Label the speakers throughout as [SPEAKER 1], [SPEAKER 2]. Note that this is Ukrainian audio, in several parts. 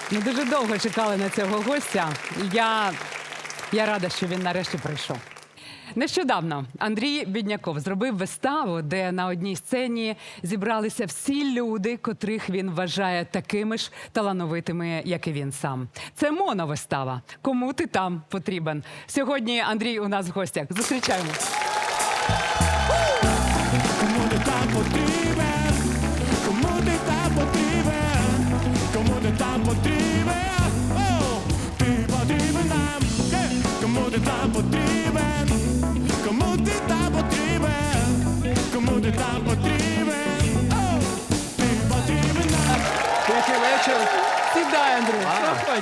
[SPEAKER 1] Ми дуже довго чекали на цього гостя. Я рада, що він нарешті прийшов. Нещодавно Андрій Бідняков зробив виставу, де на одній сцені зібралися всі люди, котрих він вважає такими ж талановитими, як і він сам. Це моновистава. Кому ти там потрібен? Сьогодні Андрій у нас в гостях. Зустрічаємо.
[SPEAKER 2] Кому ти там потрібен? Кому ти там потрібен? Кому ти там потрібен? О, ти потрібен нам. Кому ти там потрібен? Кому ти там потрібен? Кому ти там потрібен? О, ти потрібен нам.
[SPEAKER 3] Тихий вечір.
[SPEAKER 1] Сідай, Андрій, проходь.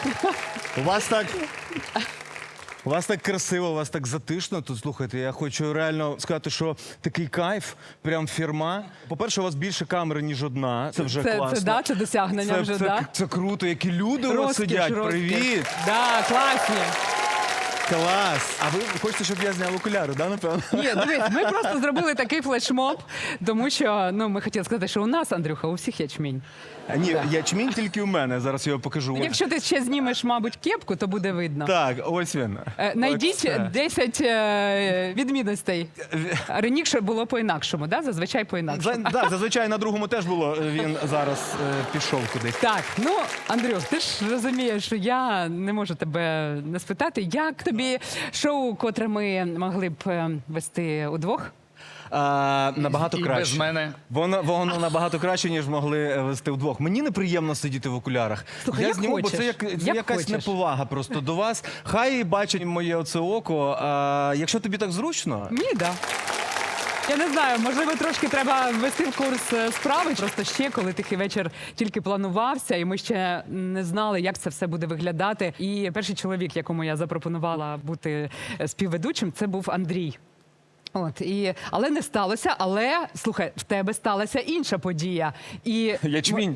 [SPEAKER 3] У вас так красиво, у вас так затишно тут. Слухайте, я хочу реально сказати, що такий кайф, прям фірма. По-перше, у вас більше камери, ніж одна. Це вже класно.
[SPEAKER 1] Це досягнення вже, да?
[SPEAKER 3] Це круто, які люди у вас сидять. Привіт!
[SPEAKER 1] Да, класні.
[SPEAKER 3] Клас! А ви хочете, щоб я зняв окуляри, да, напевно?
[SPEAKER 1] Ні, дивись, ми просто зробили такий флешмоб, тому що, ми хотіли сказати, що у нас, Андрюха, у всіх ячмінь.
[SPEAKER 3] Ні, ячмінь тільки у мене, зараз я його покажу.
[SPEAKER 1] Якщо ти ще знімеш, мабуть, кепку, то буде видно.
[SPEAKER 3] Так, ось він.
[SPEAKER 1] Найдіть
[SPEAKER 3] Оце.
[SPEAKER 1] 10 відмінностей. Раніше було по-інакшому, да? Зазвичай по-інакшому.
[SPEAKER 3] Так, зазвичай на другому теж було, він зараз пішов кудись.
[SPEAKER 1] Так, Андрюх, ти ж розумієш, що я не можу тебе не спитати, як тобі шоу, котре ми могли б вести удвох?
[SPEAKER 3] Набагато
[SPEAKER 4] І
[SPEAKER 3] краще.
[SPEAKER 4] без мене.
[SPEAKER 3] Воно набагато краще, ніж могли вести вдвох. Мені неприємно сидіти в окулярах.
[SPEAKER 1] Слухай,
[SPEAKER 3] я
[SPEAKER 1] як
[SPEAKER 3] зніму, бо
[SPEAKER 1] хочеш.
[SPEAKER 3] це
[SPEAKER 1] Як
[SPEAKER 3] якась
[SPEAKER 1] хочеш.
[SPEAKER 3] неповага просто до вас. Хай бачать моє оце око. Якщо тобі так зручно,
[SPEAKER 1] Мені, да. Я не знаю, можливо, трошки треба ввести в курс справи. Просто ще, коли тихий вечір тільки планувався, і ми ще не знали, як це все буде виглядати. І перший чоловік, якому я запропонувала бути співведучим, це був Андрій. Але не сталося. Але, слухай, в тебе сталася інша подія.
[SPEAKER 3] ячмінь.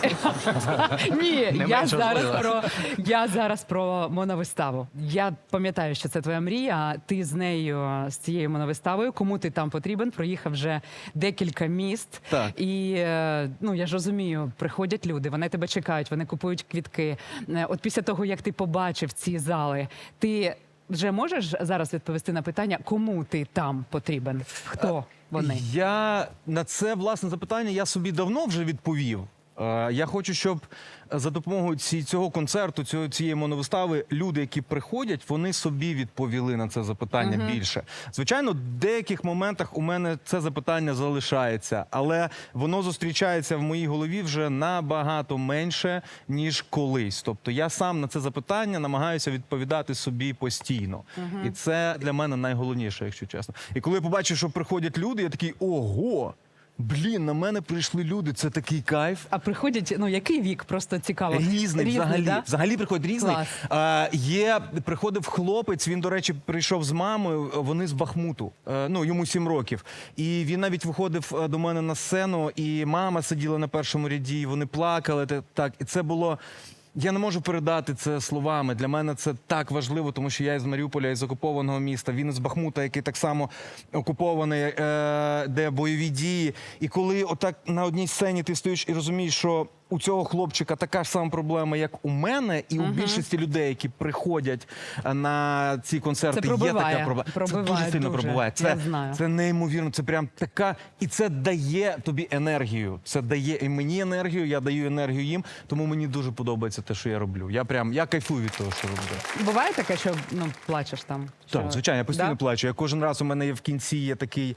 [SPEAKER 1] Ні,
[SPEAKER 4] менш важливо.
[SPEAKER 1] я зараз про моновиставу. Я пам'ятаю, що це твоя мрія. Ти з нею, з цією моновиставою, кому ти там потрібен, проїхав вже декілька міст.
[SPEAKER 3] Так.
[SPEAKER 1] І, я ж розумію, приходять люди, вони тебе чекають, вони купують квітки. От після того, як ти побачив ці зали, ти вже можеш зараз відповісти на питання, кому ти там потрібен? Хто вони?
[SPEAKER 3] Я на це власне запитання я собі давно вже відповів. Я хочу, щоб за допомогою цього концерту, цієї моновистави, люди, які приходять, вони собі відповіли на це запитання більше. Звичайно, в деяких моментах у мене це запитання залишається, але воно зустрічається в моїй голові вже набагато менше, ніж колись. Тобто я сам на це запитання намагаюся відповідати собі постійно. І це для мене найголовніше, якщо чесно. І коли я побачив, що приходять люди, я такий, ого! Блін, на мене прийшли люди, це такий кайф.
[SPEAKER 1] А приходять, який вік? Просто цікаво.
[SPEAKER 3] Різний взагалі.
[SPEAKER 1] Да?
[SPEAKER 3] Взагалі приходить різний. Приходив хлопець, він, до речі, прийшов з мамою, вони з Бахмуту, йому 7 років. І він навіть виходив до мене на сцену, і мама сиділа на першому ряді, і вони плакали. Так, і це було... Я не можу передати це словами. Для мене це так важливо, тому що я із Маріуполя, із окупованого міста, він із Бахмута, який так само окупований, де бойові дії. І коли отак на одній сцені ти стоїш і розумієш, що у цього хлопчика така ж сама проблема, як у мене, і у більшості людей, які приходять на ці концерти,
[SPEAKER 1] Це
[SPEAKER 3] є
[SPEAKER 1] пробиває.
[SPEAKER 3] така проблема.
[SPEAKER 1] Пробиває
[SPEAKER 3] це дуже сильно
[SPEAKER 1] дуже.
[SPEAKER 3] пробиває.
[SPEAKER 1] Я знаю.
[SPEAKER 3] Це неймовірно, це прям така, і це дає тобі енергію. Це дає і мені енергію, я даю енергію їм, тому мені дуже подобається те, що я роблю. Я кайфую від того, що роблю.
[SPEAKER 1] Буває таке, що плачеш там?
[SPEAKER 3] Так, звичайно, я постійно
[SPEAKER 1] Да?
[SPEAKER 3] плачу. Я кожен раз у мене є в кінці є такий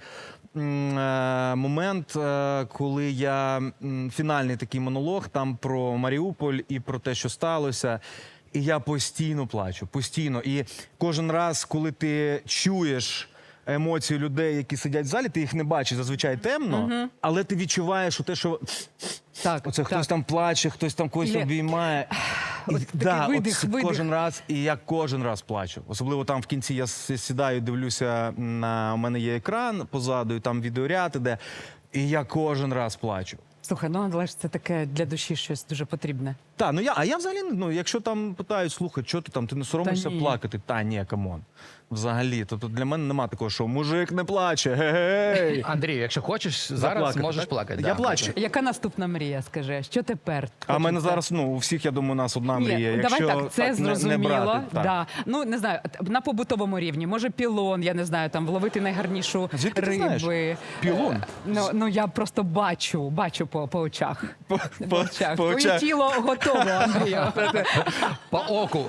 [SPEAKER 3] момент, коли я фінальний такий монолог там про Маріуполь і про те, що сталося. І я постійно плачу, постійно. І кожен раз, коли ти чуєш емоції людей, які сидять в залі, ти їх не бачиш, зазвичай темно, але ти відчуваєш те, що оце хтось там плаче, хтось там когось обіймає.
[SPEAKER 1] Видих.
[SPEAKER 3] Кожен раз, і я кожен раз плачу. Особливо там в кінці я сідаю, дивлюся, у мене є екран позаду, і там відеоряд іде, і я кожен раз плачу.
[SPEAKER 1] Слухай, але ж це таке для душі щось дуже потрібне.
[SPEAKER 3] Так, я взагалі, якщо там питають, слухай, що ти там, ти не соромишся
[SPEAKER 1] Та ні.
[SPEAKER 3] плакати? Та ні, камон. Взагалі. Тобто для мене нема такого, що мужик не плаче, гей.
[SPEAKER 4] Андрій, якщо хочеш, зараз
[SPEAKER 3] Заплакати,
[SPEAKER 4] можеш
[SPEAKER 3] так?
[SPEAKER 4] плакати.
[SPEAKER 3] Я
[SPEAKER 4] да.
[SPEAKER 3] плачу.
[SPEAKER 1] Яка наступна мрія, скажи? Що тепер?
[SPEAKER 3] А в мене
[SPEAKER 1] хочеться?
[SPEAKER 3] зараз, у всіх, я думаю, у нас одна
[SPEAKER 1] Ні,
[SPEAKER 3] мрія.
[SPEAKER 1] давай
[SPEAKER 3] Якщо
[SPEAKER 1] так, це
[SPEAKER 3] не
[SPEAKER 1] зрозуміло.
[SPEAKER 3] брати, так.
[SPEAKER 1] Да. Ну, не знаю, на побутовому рівні. Може, пілон, я не знаю, там вловити найгарнішу
[SPEAKER 3] Звідки ти знаєш?
[SPEAKER 1] риби.
[SPEAKER 3] Пілон?
[SPEAKER 1] Ну, я просто бачу по очах.
[SPEAKER 3] По
[SPEAKER 1] Твоє
[SPEAKER 3] очах.
[SPEAKER 1] тіло готово, Андрію.
[SPEAKER 4] По оку.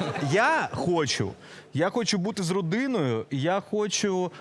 [SPEAKER 3] Я хочу бути з родиною, я хочу.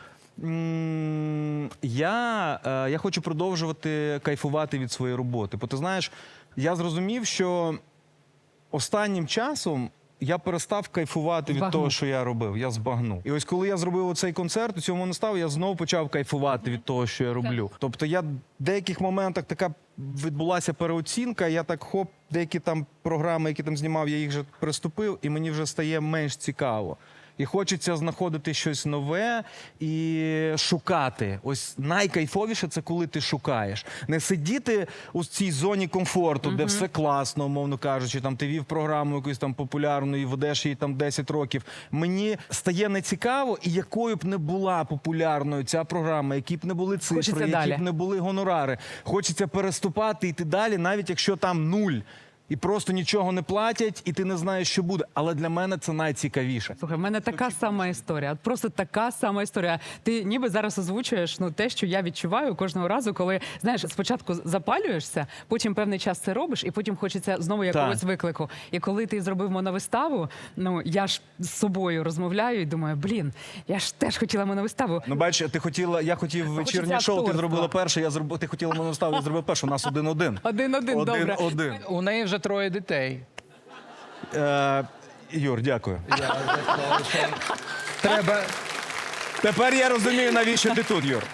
[SPEAKER 3] Я хочу продовжувати кайфувати від своєї роботи. Бо ти знаєш, я зрозумів, що останнім часом я перестав кайфувати від
[SPEAKER 1] Збагнув.
[SPEAKER 3] того, що я робив. Я збагнув. І ось коли я зробив оцей концерт, у цьому не став, я знову почав кайфувати від того, що я роблю. Тобто я в деяких моментах така відбулася переоцінка, я так хоп, деякі там програми, які там знімав, я їх вже приступив, і мені вже стає менш цікаво. І хочеться знаходити щось нове і шукати. Ось найкайфовіше це коли ти шукаєш. Не сидіти у цій зоні комфорту, де все класно, умовно кажучи, там ти вів програму якусь там популярну і ведеш її там 10 років. Мені стає нецікаво, і якою б не була популярною ця програма, які б не були цифри,
[SPEAKER 1] Хочеться
[SPEAKER 3] які
[SPEAKER 1] далі.
[SPEAKER 3] б не були гонорари. Хочеться переступати, йти далі, навіть якщо там нуль. І просто нічого не платять, і ти не знаєш, що буде. Але для мене це найцікавіше.
[SPEAKER 1] Слухай, в мене така сама історія. От просто така сама історія. Ти ніби зараз озвучуєш те, що я відчуваю кожного разу, коли знаєш, спочатку запалюєшся, потім певний час це робиш, і потім хочеться знову якогось виклику. І коли ти зробив моновиставу, я ж з собою розмовляю і думаю, блін, я ж теж хотіла моновиставу.
[SPEAKER 3] Ну, бачиш, я хотів вечірнє шоу, ти
[SPEAKER 1] акторства.
[SPEAKER 3] зробила перше, ти хотіла мене ставити, я зробив перше, у нас 1-1.
[SPEAKER 1] 1-1, добре.
[SPEAKER 3] 1-1.
[SPEAKER 4] У неї вже 3 дітей.
[SPEAKER 3] Юр, дякую.
[SPEAKER 4] Треба.
[SPEAKER 3] Тепер я розумію, навіщо ти тут, Юр.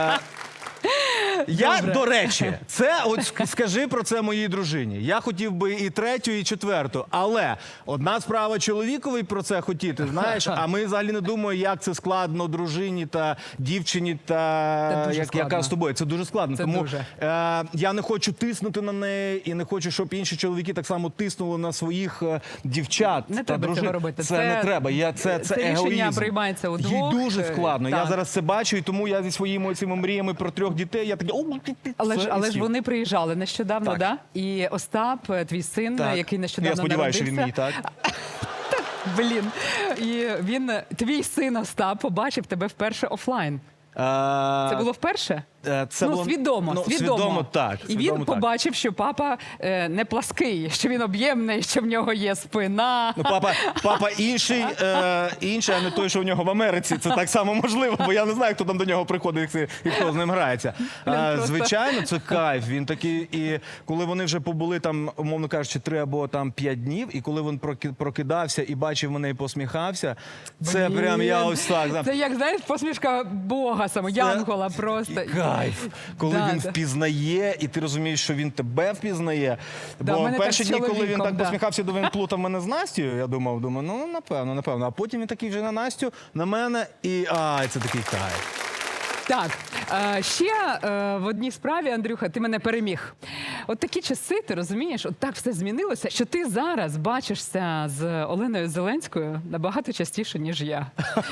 [SPEAKER 3] Я, до речі, скажи про це моїй дружині. Я хотів би і 3-ю, і 4-ту, але одна справа чоловікові про це хотіти, знаєш, а ми взагалі не думаємо, як це складно дружині та дівчині,
[SPEAKER 1] Це дуже
[SPEAKER 3] яка
[SPEAKER 1] складно.
[SPEAKER 3] з тобою. Це дуже складно.
[SPEAKER 1] Це
[SPEAKER 3] Тому
[SPEAKER 1] дуже.
[SPEAKER 3] я не хочу тиснути на неї і не хочу, щоб інші чоловіки так само тиснули на своїх дівчат.
[SPEAKER 1] Не
[SPEAKER 3] та
[SPEAKER 1] треба
[SPEAKER 3] дружин.
[SPEAKER 1] цього робити.
[SPEAKER 3] Це не треба. Це
[SPEAKER 1] рішення
[SPEAKER 3] егоїзм.
[SPEAKER 1] приймається удвох.
[SPEAKER 3] Їй дуже складно. Я
[SPEAKER 1] Так.
[SPEAKER 3] зараз це бачу, і тому я зі своїми цими мріями про 3 дітей, я такий...
[SPEAKER 1] Але ж вони приїжджали нещодавно,
[SPEAKER 3] Так.
[SPEAKER 1] да? І Остап, твій син,
[SPEAKER 3] Так.
[SPEAKER 1] який нещодавно
[SPEAKER 3] Я сподіваюся, що він мій,
[SPEAKER 1] народився.
[SPEAKER 3] так?
[SPEAKER 1] Блін. І твій син Остап побачив тебе вперше офлайн. Це було вперше?
[SPEAKER 3] Це було...
[SPEAKER 1] свідомо.
[SPEAKER 3] Свідомо, так.
[SPEAKER 1] І він побачив, що папа не плаский, що він об'ємний, що в нього є спина.
[SPEAKER 3] Ну, папа інший, а не той, що в нього в Америці. Це так само можливо, бо я не знаю, хто там до нього приходить і хто з ним грається.
[SPEAKER 1] Просто.
[SPEAKER 3] Звичайно, це кайф. Він такий, і коли вони вже побули там, умовно кажучи, 3 або там 5 днів, і коли він прокидався і бачив мене і посміхався, це
[SPEAKER 1] Блін.
[SPEAKER 3] прям я ось так.
[SPEAKER 1] Це як, знаєш, посмішка Бога саме, Янгола просто.
[SPEAKER 3] Кайф, коли
[SPEAKER 1] Да,
[SPEAKER 3] він
[SPEAKER 1] да.
[SPEAKER 3] впізнає, і ти розумієш, що він тебе впізнає.
[SPEAKER 1] Да, в
[SPEAKER 3] Бо
[SPEAKER 1] мене
[SPEAKER 3] перші
[SPEAKER 1] так з
[SPEAKER 3] дні, коли він
[SPEAKER 1] чоловіком,
[SPEAKER 3] так
[SPEAKER 1] да.
[SPEAKER 3] посміхався, то він плутав мене з Настю, я думав, ну напевно. А потім він такий вже на Настю, на мене, і це такий кайф.
[SPEAKER 1] Так, ще в одній справі, Андрюха, ти мене переміг. От такі часи, ти розумієш, от так все змінилося, що ти зараз бачишся з Оленою Зеленською набагато частіше, ніж я.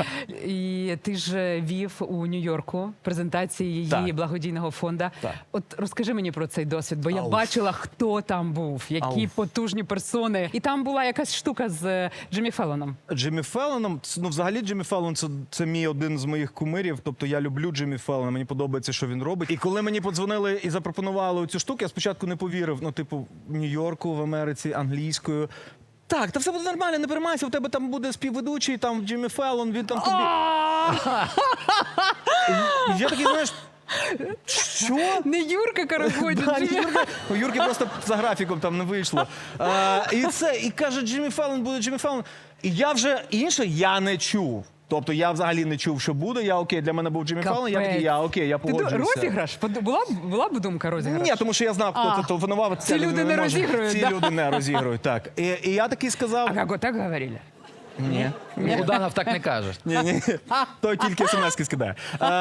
[SPEAKER 1] І ти ж вів у Нью-Йорку презентації її
[SPEAKER 3] Так.
[SPEAKER 1] благодійного фонду.
[SPEAKER 3] Так.
[SPEAKER 1] От розкажи мені про цей досвід, бо я бачила, хто там був, які потужні персони. І там була якась штука з Джиммі Феллоном.
[SPEAKER 3] Джиммі Феллоном, взагалі Джиммі Феллон це мій один з моїх кумирів, тобто я люблю Джиммі Феллона, мені подобається, що він робить. І коли мені подзвонили і запропонували цю штуку, я спочатку не повірив, в Нью-Йорку, в Америці, англійською. Так, та все буде нормально, не переймайся, в тебе там буде співведучий, там Джиммі Феллон, він там тобі... І я такий, знаєш, що?
[SPEAKER 1] Не Юрка Карагодін.
[SPEAKER 3] Да, у Юрки просто за графіком там не вийшло. І каже, Джиммі Феллон буде Джиммі Феллон. І я вже інше я не чув. Тобто я взагалі не чув, що буде. Я окей, для мене був Джиммі Феллон, я такий, я погоджуюся.
[SPEAKER 1] Розіграш? Була б думка розіграш?
[SPEAKER 3] Ні, тому що я знав, хто це телефонував.
[SPEAKER 1] Ці люди не розігрують,
[SPEAKER 3] Ці
[SPEAKER 1] да?
[SPEAKER 3] люди не розігрують, так. І я такий сказав...
[SPEAKER 1] А как вот так говорили?
[SPEAKER 3] Ні.
[SPEAKER 4] Буданов так не каже.
[SPEAKER 3] Ні. Той тільки смс-ки скидає.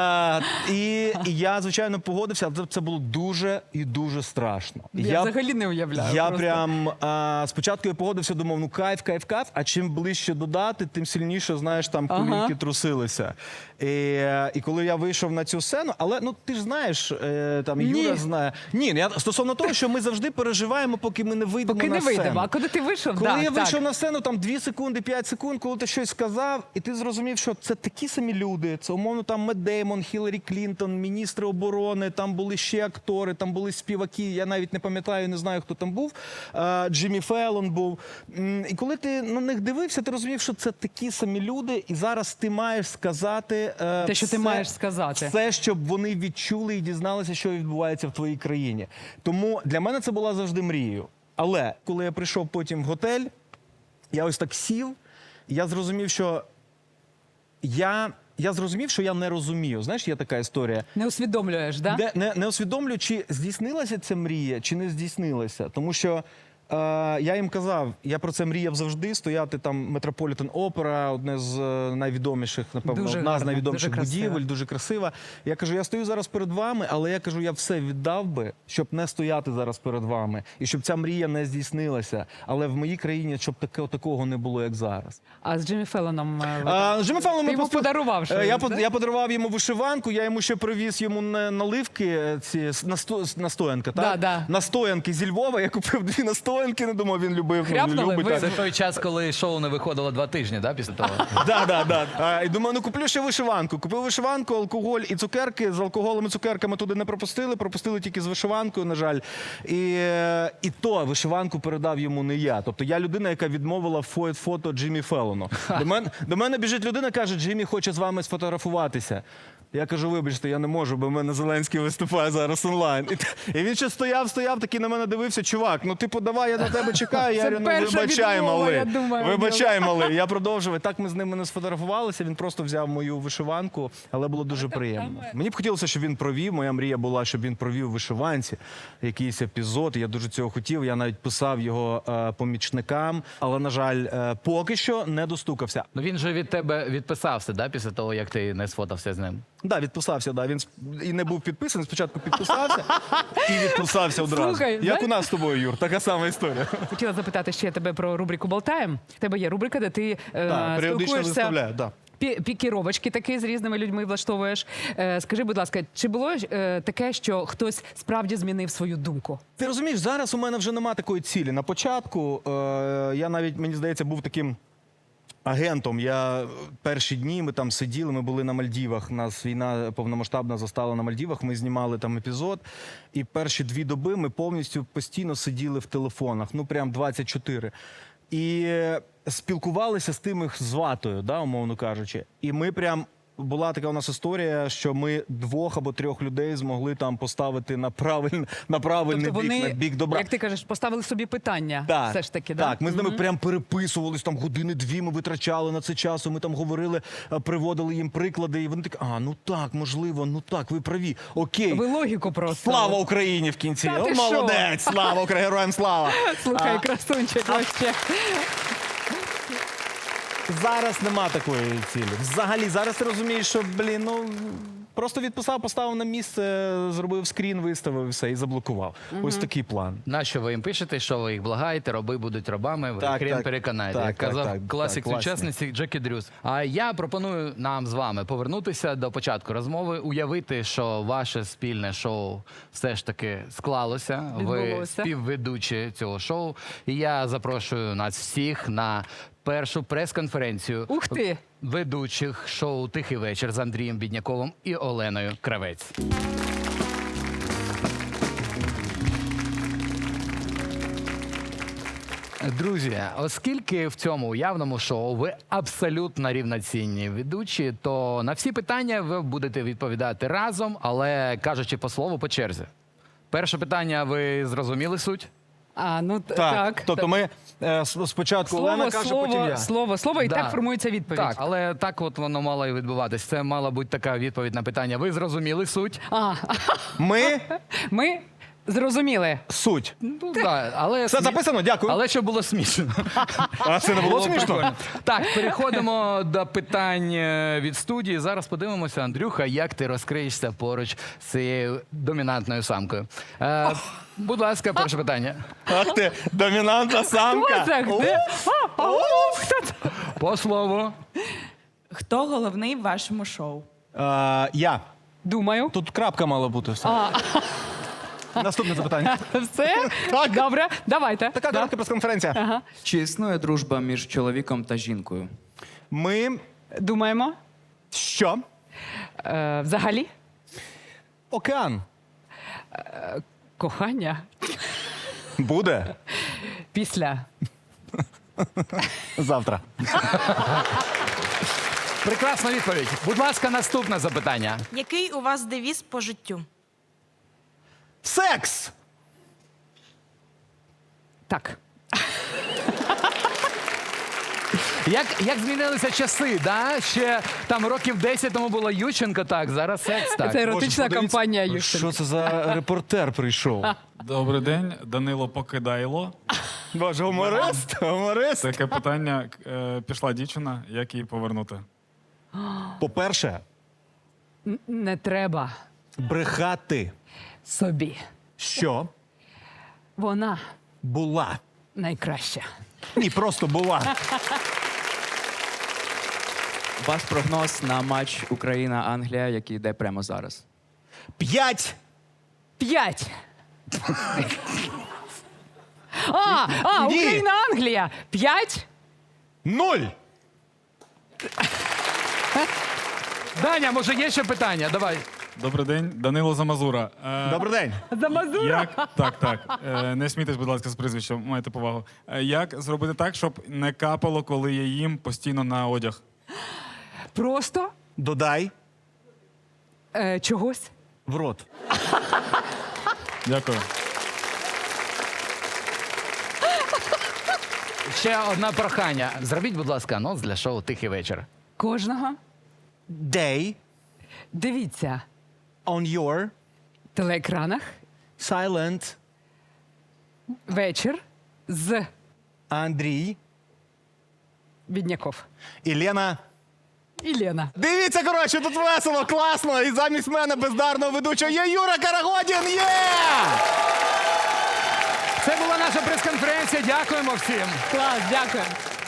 [SPEAKER 3] І я, звичайно, погодився, але це було дуже і дуже страшно.
[SPEAKER 1] Я взагалі не уявляю.
[SPEAKER 3] Я
[SPEAKER 1] просто.
[SPEAKER 3] прям спочатку я погодився, думав, ну кайф, а чим ближче до дати, тим сильніше, знаєш, там колінки трусилися. І коли я вийшов на цю сцену, але ну ти ж знаєш, там Юра знає. Ні, я стосовно того, що ми завжди переживаємо, поки ми не вийдемо
[SPEAKER 1] Поки
[SPEAKER 3] на
[SPEAKER 1] не
[SPEAKER 3] сцену.
[SPEAKER 1] вийдемо. А коли ти вийшов,
[SPEAKER 3] Коли
[SPEAKER 1] так,
[SPEAKER 3] я
[SPEAKER 1] так.
[SPEAKER 3] вийшов на сцену, там 2 секунди, 5 секунд, коли ти щось сказав, і ти зрозумів, що це такі самі люди. Це, умовно, там Мет Деймон, Хіларі Клінтон, міністри оборони, там були ще актори, там були співаки, я навіть не пам'ятаю, не знаю, хто там був. Джиммі Феллон був. І коли ти на них дивився, ти розумів, що це такі самі люди, і зараз ти маєш сказати
[SPEAKER 1] Те, що ти маєш сказати.
[SPEAKER 3] все, щоб вони відчули і дізналися, що відбувається в твоїй країні. Тому для мене це була завжди мрією. Але коли я прийшов потім в готель, я ось так сів, і я зрозумів, що я зрозумів, що я не розумію. Знаєш, є така історія.
[SPEAKER 1] Не усвідомлюєш, да?
[SPEAKER 3] Не усвідомлю, чи здійснилася ця мрія, чи не здійснилася. Тому що я їм казав, я про це мріяв завжди, стояти там Метрополітен Опера, одне з найвідоміших, напевно,
[SPEAKER 1] Дуже
[SPEAKER 3] одна з
[SPEAKER 1] гарно,
[SPEAKER 3] найвідоміших
[SPEAKER 1] дуже красиво.
[SPEAKER 3] будівель, дуже красива. Я кажу, я стою зараз перед вами, але я кажу, я все віддав би, щоб не стояти зараз перед вами, і щоб ця мрія не здійснилася. Але в моїй країні, щоб такого не було, як зараз.
[SPEAKER 1] А з Джиммі Феллоном
[SPEAKER 3] З Джиммі Феллоном
[SPEAKER 1] ти йому подарував щось, да?
[SPEAKER 3] я подарував йому вишиванку, я йому ще привіз йому наливки, ці настоянка, так?
[SPEAKER 1] Да.
[SPEAKER 3] Настоянки зі Львова, я купив 2 настоянки, не думав, він любив.
[SPEAKER 1] Хряпнули?
[SPEAKER 3] Любить,
[SPEAKER 1] Ви-
[SPEAKER 3] так.
[SPEAKER 4] Це той час, коли шоу не виходило 2 тижні, да, після того?
[SPEAKER 3] Да. І думаю, ну куплю ще вишиванку. Купив вишиванку, алкоголь і цукерки. З алкоголем і цукерками туди не пропустили тільки з вишиванкою, на жаль. І то вишиванку передав йому не я. Тобто я людина, яка відмовила фото Джиммі Феллону. До мене біжить людина, каже, Джиммі хоче з вами сфотографуватися. Я кажу, вибачте, я не можу, бо в мене Зеленський виступає зараз онлайн. І він ще стояв, такий на мене дивився, чувак, ну типу, давай, я на тебе чекаю. Я
[SPEAKER 1] Це
[SPEAKER 3] говорю,
[SPEAKER 1] перша
[SPEAKER 3] вибачай,
[SPEAKER 1] відмова,
[SPEAKER 3] малий.
[SPEAKER 1] я думаю,
[SPEAKER 3] Вибачай, малий. Я продовжив. І так ми з ними не сфотографувалися, він просто взяв мою вишиванку, але було дуже приємно. Мені б хотілося, щоб він провів, моя мрія була, щоб він провів у вишиванці якийсь епізод, я дуже цього хотів, я навіть писав його помічникам, але, на жаль, поки що не достукався.
[SPEAKER 4] Ну він же від тебе відписався, да, після того, як ти не сфотався з ним?
[SPEAKER 3] Да, відписався, да. Він і не був підписаний, спочатку підписався і відписався одразу.
[SPEAKER 1] Слухай,
[SPEAKER 3] Як
[SPEAKER 1] знаєш-
[SPEAKER 3] у нас з тобою, Юр, така сама історія.
[SPEAKER 1] Хотіла запитати ще тебе про рубрику «Болтаєм». В тебе є рубрика, де ти
[SPEAKER 3] Так, періодично
[SPEAKER 1] спілкуєшся,
[SPEAKER 3] виставляю, да.
[SPEAKER 1] пікіровочки такі з різними людьми влаштовуєш. Скажи, будь ласка, чи було таке, що хтось справді змінив свою думку?
[SPEAKER 3] Ти розумієш, зараз у мене вже нема такої цілі. На початку я навіть, мені здається, був таким агентом. Я перші дні ми там сиділи, ми були на Мальдівах. Нас війна повномасштабна застала на Мальдівах. Ми знімали там епізод. І перші 2 доби ми повністю постійно сиділи в телефонах. Ну прям 24. І спілкувалися з тими з ватою, да, умовно кажучи. І ми прям. Була така у нас історія, що ми 2 або 3 людей змогли там поставити на правильний
[SPEAKER 1] Тобто
[SPEAKER 3] бік,
[SPEAKER 1] вони,
[SPEAKER 3] на бік добра.
[SPEAKER 1] як ти кажеш, поставили собі питання
[SPEAKER 3] Так,
[SPEAKER 1] все ж таки, да?
[SPEAKER 3] так, ми з ними прям переписувались, там 2 години ми витрачали на це часу, ми там говорили, приводили їм приклади, і вони такі, ну так, можливо, ну так, ви праві, окей.
[SPEAKER 1] Ви логіку просто.
[SPEAKER 3] Слава Україні в кінці.
[SPEAKER 1] Та
[SPEAKER 3] О,
[SPEAKER 1] ти що?
[SPEAKER 3] молодець, слава Україні, героям слава.
[SPEAKER 1] Слухай, красунчик вообще.
[SPEAKER 3] Зараз нема такої цілі. Взагалі, зараз ти розумієш, що, просто відписав, поставив на місце, зробив скрін, виставив і все, і заблокував. Ось такий план.
[SPEAKER 4] Нащо ви їм пишете, що ви їх благаєте, раби будуть рабами, ви
[SPEAKER 3] Так,
[SPEAKER 4] хрен
[SPEAKER 3] так.
[SPEAKER 4] переконаєте,
[SPEAKER 3] Так,
[SPEAKER 4] як
[SPEAKER 3] так,
[SPEAKER 4] казав
[SPEAKER 3] так,
[SPEAKER 4] класик
[SPEAKER 3] так, класні.
[SPEAKER 4] сучасниці Джекі Дрюс. А я пропоную нам з вами повернутися до початку розмови, уявити, що ваше спільне шоу все ж таки склалося. Ви
[SPEAKER 1] Відбулося.
[SPEAKER 4] співведучі цього шоу. І я запрошую нас всіх на першу прес-конференцію
[SPEAKER 1] Ух ти!
[SPEAKER 4] ведучих шоу «Тихий вечір» з Андрієм Бідняковим і Оленою Кравець. Друзі, оскільки в цьому уявному шоу ви абсолютно рівноцінні ведучі, то на всі питання ви будете відповідати разом, але кажучи по слову, по черзі. Перше питання, ви зрозуміли суть?
[SPEAKER 1] Так.
[SPEAKER 3] Тобто ми спочатку Олена каже, потім я.
[SPEAKER 1] Слово, і
[SPEAKER 4] Да.
[SPEAKER 1] так формується відповідь.
[SPEAKER 4] Так, але так от воно мало і відбуватись. Це мала бути така відповідь на питання. Ви зрозуміли суть?
[SPEAKER 1] А,
[SPEAKER 3] Ми
[SPEAKER 1] Зрозуміли.
[SPEAKER 3] Суть.
[SPEAKER 4] Ну, да, але
[SPEAKER 3] Все записано? Дякую.
[SPEAKER 4] Але щоб було смішно.
[SPEAKER 3] А це не було смішно?
[SPEAKER 4] Прикольно. Так, переходимо до питань від студії. Зараз подивимося, Андрюха, як ти розкриєшся поруч з цією домінантною самкою. Будь ласка, перше питання.
[SPEAKER 3] Ах ти, домінантна самка.
[SPEAKER 1] Хто це? Де? Хто це?
[SPEAKER 4] По слову.
[SPEAKER 5] Хто головний в вашому шоу?
[SPEAKER 3] Я.
[SPEAKER 1] Думаю.
[SPEAKER 3] Тут крапка мала бути. Наступне запитання.
[SPEAKER 1] Все?
[SPEAKER 3] Так.
[SPEAKER 1] Добре, давайте.
[SPEAKER 3] Така
[SPEAKER 1] Да.
[SPEAKER 3] коротка прес-конференція.
[SPEAKER 6] Чи існує дружба між чоловіком та жінкою?
[SPEAKER 3] Ми
[SPEAKER 1] Думаємо.
[SPEAKER 3] що?
[SPEAKER 1] Взагалі,
[SPEAKER 3] Океан.
[SPEAKER 1] кохання
[SPEAKER 3] Буде
[SPEAKER 1] після.
[SPEAKER 3] завтра.
[SPEAKER 4] Прекрасна відповідь. Будь ласка, наступне запитання.
[SPEAKER 5] Який у вас девіз по життю?
[SPEAKER 3] Секс!
[SPEAKER 1] Так.
[SPEAKER 4] Як змінилися часи, да? Ще там років 10 тому було Ющенко, так, зараз секс, так.
[SPEAKER 1] Це еротична
[SPEAKER 3] Боже,
[SPEAKER 1] кампанія
[SPEAKER 3] подивіться,
[SPEAKER 1] Ющенка.
[SPEAKER 3] Що це за репортер прийшов?
[SPEAKER 7] Добрий день, Данило Покидайло.
[SPEAKER 3] Боже, гуморист? Гуморист?
[SPEAKER 7] Таке питання. Пішла дівчина, як її повернути?
[SPEAKER 3] По-перше,
[SPEAKER 1] Не треба
[SPEAKER 3] брехати,
[SPEAKER 1] собі.
[SPEAKER 3] що
[SPEAKER 1] Вона
[SPEAKER 3] була.
[SPEAKER 1] найкраща.
[SPEAKER 3] Ні, просто була.
[SPEAKER 6] Ваш прогноз на матч Україна-Англія, який йде прямо зараз.
[SPEAKER 3] 5.
[SPEAKER 1] 5.
[SPEAKER 3] Ні.
[SPEAKER 1] Україна, Англія. 5.
[SPEAKER 3] 0.
[SPEAKER 4] Даня, може є ще питання? Давай.
[SPEAKER 7] Добрий день, Данило Замазура.
[SPEAKER 3] Добрий день.
[SPEAKER 1] За Мазура.
[SPEAKER 7] Як так. Не смійтесь, будь ласка, з прізвищем, маєте повагу. Як зробити так, щоб не капало, коли я їм постійно на одяг?
[SPEAKER 1] Просто
[SPEAKER 3] Додай
[SPEAKER 1] чогось.
[SPEAKER 3] в рот.
[SPEAKER 7] Дякую.
[SPEAKER 4] Ще одне прохання. Зробіть, будь ласка, анонс для шоу «Тихий вечір».
[SPEAKER 1] Кожного.
[SPEAKER 3] Day
[SPEAKER 1] Дивіться
[SPEAKER 3] on your
[SPEAKER 1] в телеекранах
[SPEAKER 3] silent
[SPEAKER 1] вечір з
[SPEAKER 3] Андрій
[SPEAKER 1] Бідняков.
[SPEAKER 3] і Лена.
[SPEAKER 1] І Лена.
[SPEAKER 3] Дивіться, коротше, тут весело, класно. І замість мене бездарного ведучого є Юра Карагодін. Є!
[SPEAKER 4] Це була наша прес-конференція. Дякуємо всім.
[SPEAKER 1] Клас, дякую.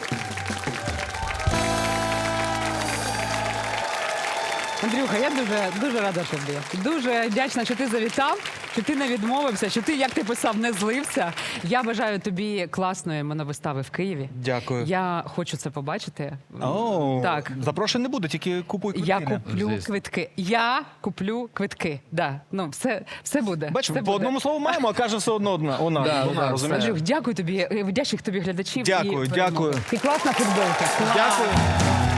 [SPEAKER 1] Андрюха, я дуже рада, що ти. Дуже вдячна, що ти завітав, що ти не відмовився, що ти, як ти писав, не злився. Я бажаю тобі класної моновистави в Києві.
[SPEAKER 3] Дякую.
[SPEAKER 1] Я хочу це побачити.
[SPEAKER 3] О,
[SPEAKER 1] Так.
[SPEAKER 3] Запрошень не буде, тільки купуй квитки.
[SPEAKER 1] Я
[SPEAKER 3] Лена.
[SPEAKER 1] куплю
[SPEAKER 4] Звісно.
[SPEAKER 1] квитки. Я куплю квитки. Да. Ну, все буде.
[SPEAKER 3] Бачиш,
[SPEAKER 1] все
[SPEAKER 3] по
[SPEAKER 1] буде.
[SPEAKER 3] одному слову маємо, а каже все одно вона, розумієш?
[SPEAKER 1] Андрюх, дякую тобі, вдячних тобі глядачів.
[SPEAKER 3] Дякую,
[SPEAKER 1] і
[SPEAKER 3] дякую.
[SPEAKER 1] І класна футболка. Клас.
[SPEAKER 3] Дякую.